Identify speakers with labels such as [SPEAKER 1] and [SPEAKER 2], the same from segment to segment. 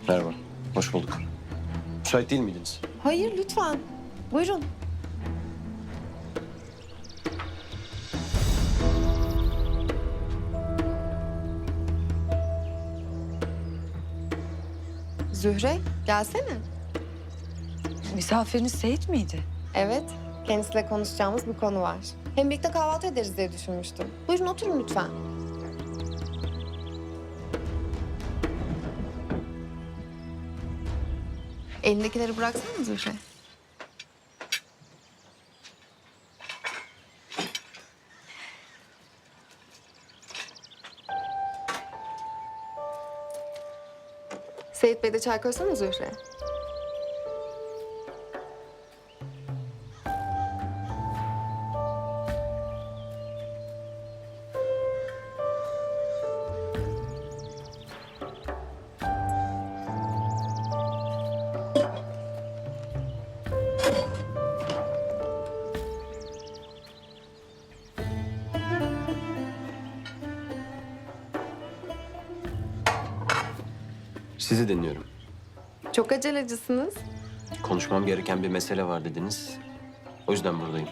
[SPEAKER 1] Merhaba, hoş bulduk. Müsait değil miydiniz?
[SPEAKER 2] Hayır, lütfen. Buyurun. Zühre, gelsene.
[SPEAKER 3] Misafiriniz Seyit miydi?
[SPEAKER 2] Evet, kendisiyle konuşacağımız bir konu var. Hem birlikte kahvaltı ederiz diye düşünmüştüm. Buyurun oturun lütfen. Elindekileri bıraksana Zühre. Seyit Bey de çay koysana Zühre.
[SPEAKER 1] Sizi dinliyorum.
[SPEAKER 2] Çok acelecisiniz.
[SPEAKER 1] Konuşmam gereken bir mesele var dediniz. O yüzden buradayım.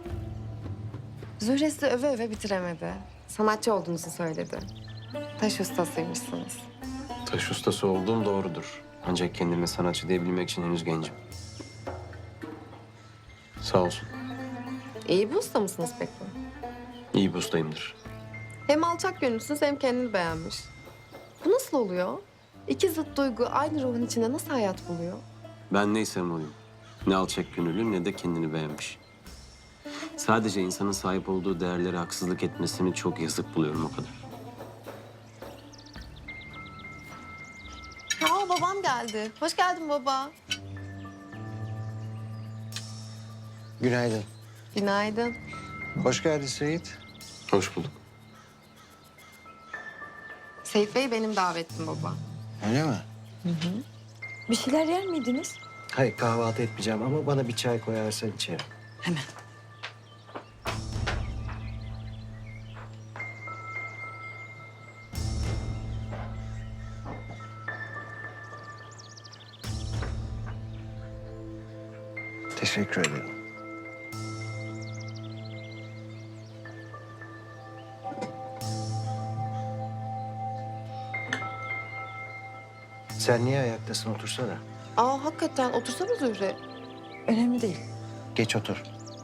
[SPEAKER 2] Zühre sizi öve öve bitiremedi. Sanatçı olduğunuzu söyledi. Taş ustasıymışsınız.
[SPEAKER 1] Taş ustası olduğum doğrudur. Ancak kendime sanatçı diyebilmek için henüz gencim. Sağ olsun.
[SPEAKER 2] İyi bir usta mısınız peki?
[SPEAKER 1] İyi bir ustayımdır.
[SPEAKER 2] Hem alçak gönüllüsünüz hem kendini beğenmiş. Bu nasıl oluyor? İki zıt duygu aynı ruhun içinde nasıl hayat buluyor?
[SPEAKER 1] Ben neysem oyum. Ne alçak gönüllü ne de kendini beğenmiş. Sadece insanın sahip olduğu değerlere haksızlık etmesini çok yazık buluyorum o kadar.
[SPEAKER 2] Aa babam geldi. Hoş geldin baba.
[SPEAKER 4] Günaydın.
[SPEAKER 2] Günaydın.
[SPEAKER 4] Hoş geldin Seyit.
[SPEAKER 1] Hoş bulduk.
[SPEAKER 2] Seyit Bey benim davetlim baba.
[SPEAKER 4] Öyle mi?
[SPEAKER 3] Bir şeyler yer miydiniz?
[SPEAKER 4] Hayır kahvaltı etmeyeceğim ama bana bir çay koyarsan içerim.
[SPEAKER 3] Hemen.
[SPEAKER 4] Teşekkür ederim. Sen niye ayaktasın? Otursana.
[SPEAKER 2] Aa hakikaten otursana Zühre.
[SPEAKER 3] Önemli değil.
[SPEAKER 4] Geç otur.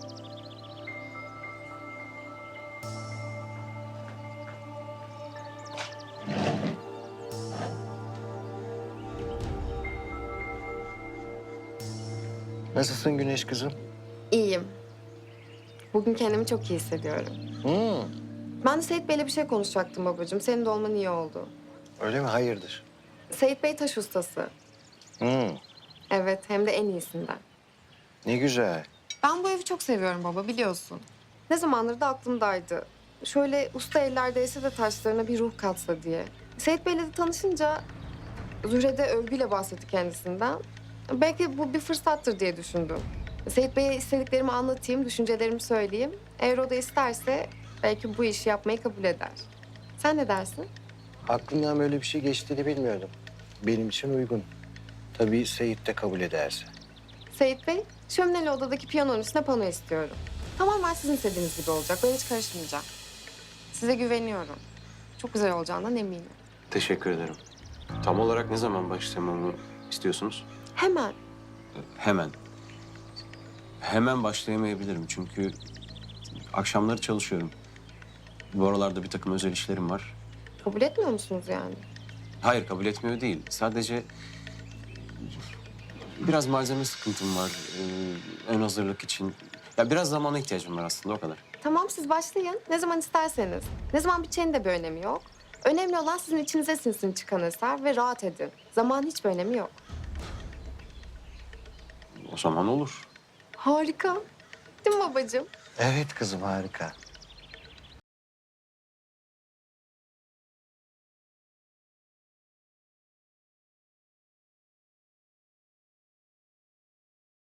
[SPEAKER 4] Nasılsın Güneş kızım?
[SPEAKER 2] İyiyim. Bugün kendimi çok iyi hissediyorum. Ben de Seyit Bey'le bir şey konuşacaktım babacığım. Senin de olman iyi oldu.
[SPEAKER 4] Öyle mi? Hayırdır?
[SPEAKER 2] Seyit Bey taş ustası. Evet hem de en iyisinden.
[SPEAKER 4] Ne güzel.
[SPEAKER 2] Ben bu evi çok seviyorum baba biliyorsun. Ne zamandır da aklımdaydı. Şöyle usta ellerdeyse de taşlarına bir ruh katsa diye. Seyit Bey'le de tanışınca Zühre de övgüyle bahsetti kendisinden. Belki bu bir fırsattır diye düşündüm. Seyit Bey'e istediklerimi anlatayım, düşüncelerimi söyleyeyim. Eğer o da isterse belki bu işi yapmayı kabul eder. Sen ne dersin?
[SPEAKER 4] Aklından böyle bir şey geçtiğini bilmiyordum. Benim için uygun. Tabii Seyit de kabul ederse.
[SPEAKER 2] Seyit Bey, şömineli odadaki piyanonun üstüne pano istiyorum. Tamamen sizin istediğiniz gibi olacak. Ben hiç karışmayacağım. Size güveniyorum. Çok güzel olacağından eminim.
[SPEAKER 1] Teşekkür ederim. Tam olarak ne zaman başlamamı istiyorsunuz?
[SPEAKER 2] Hemen.
[SPEAKER 1] Hemen. Hemen başlayamayabilirim çünkü akşamları çalışıyorum. Bu aralarda bir takım özel işlerim var.
[SPEAKER 2] Kabul etmiyor musunuz yani?
[SPEAKER 1] Hayır, kabul etmiyor değil. Sadece biraz malzeme sıkıntım var. Ön hazırlık için. Ya biraz zamana ihtiyacım var aslında, o kadar.
[SPEAKER 2] Tamam siz başlayın. Ne zaman isterseniz. Ne zaman biteceğinin de bir önemi yok. Önemli olan sizin içinize sinsin çıkan eser ve rahat edin. Zaman hiçbir önemi yok.
[SPEAKER 1] O zaman olur.
[SPEAKER 2] Harika. Değil mi babacığım?
[SPEAKER 4] Evet kızım harika.